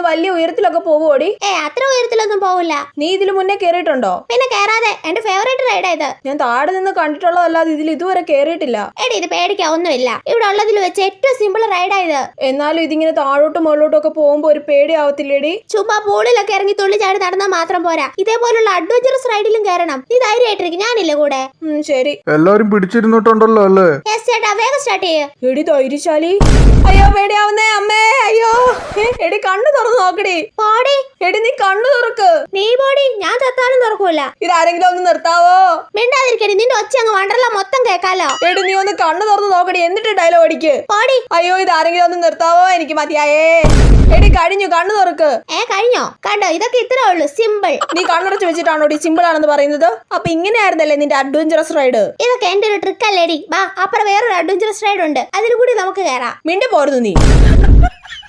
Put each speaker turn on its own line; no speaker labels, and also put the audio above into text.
വലിയ ഉയരത്തിലൊക്കെ പോവുമോടി?
അത്ര ഉയരത്തിലൊന്നും പോവില്ല.
നീ ഇതിനു മുന്നേ കേറിയിട്ടുണ്ടോ?
പിന്നെ കേറാതെ, എന്റെ ഫേവറേറ്റ് റൈഡാ ഇത്.
ഞാൻ താഴെ നിന്ന് കണ്ടിട്ടുള്ളതല്ലാതെ ഇതിൽ ഇതുവരെ കേറിയിട്ടില്ല.
എടി ഇത് പേടിക്കാൻ ഒന്നുമില്ല, ഇവിടെ ഉള്ളതിൽ വെച്ച് ഏറ്റവും സിമ്പിൾ റൈഡാ ഇത്.
എന്നാലും ഇതിങ്ങനെ താഴോട്ടും മുകളിലോട്ടും ഒക്കെ പോകുമ്പോ ഒരു പേടിയാവത്തില്ലേടി?
ചുമ്മാ പൂളിലൊക്കെ ഇറങ്ങി തുള്ളി ചാടി നടന്നാൽ മാത്രം പോരാ, ഇതേപോലുള്ള അഡ്വഞ്ചറസ് റൈഡിലും കയറണം. നീ ധൈര്യമായിട്ടിരിക്കും, ഞാനില്ലേ കൂടെ.
ശരി.
എല്ലാരും പിടിച്ചിരുന്നിട്ടുണ്ടല്ലോ അല്ലേ?
ചേട്ടാ വേഗം സ്റ്റാർട്ട് ചെയ്യ്.
എടി ധൈര്യശാലി. അയ്യോ പേടിയാവുന്നേ അമ്മേ, അയ്യോ. എടി കണ്ണു തുറന്ന് നോക്കടി.
പോടി.
എടി നീ കണ്ണു തുറക്ക്.
നീ പോടി, ഞാൻ ചത്താലും തുറക്കൂല.
ഇതാരെങ്കിലും ഒന്ന് നിർത്താവോ?
മിണ്ടാതിരിക്കടി, നിന്റെ ഒച്ച അങ്ങ് വണ്ടർല മൊത്തം കേക്കാലോ.
എടി നീ ഒന്ന് കണ്ണു തുറന്ന് നോക്കടി, എന്നിട്ട് ഡയലോഗ് അടിക്ക്.
പോടി.
അയ്യോ ഇതാരെങ്കിലും ഒന്ന് നിർത്താവോ? എനിക്ക് മതിയായേ. എടി കഴിഞ്ഞു, കണ്ണു തുറക്ക്.
കഴിഞ്ഞോ? കണ്ടോ, ഇതൊക്കെ ഇത്രേ ഉള്ളൂ, സിമ്പിൾ.
നീ കണ്ണടച്ച് വെച്ചിട്ടാണോ സിമ്പിൾ ആണെന്ന് പറയുന്നത്? അപ്പൊ ഇങ്ങനെയായിരുന്നല്ലേ നിന്റെ അഡ്വഞ്ചറസ് റൈഡ്?
ഇതൊക്കെ എന്റെ ഒരു ട്രിക്ക് അല്ലേടി. വാ, അപ്പുറം വേറൊരു അഡ്വഞ്ചറസ് റൈഡ് ഉണ്ട്, അതിൽ കൂടി നമുക്ക് കയറാം.
മിണ്ടി പോരുന്നു നീ.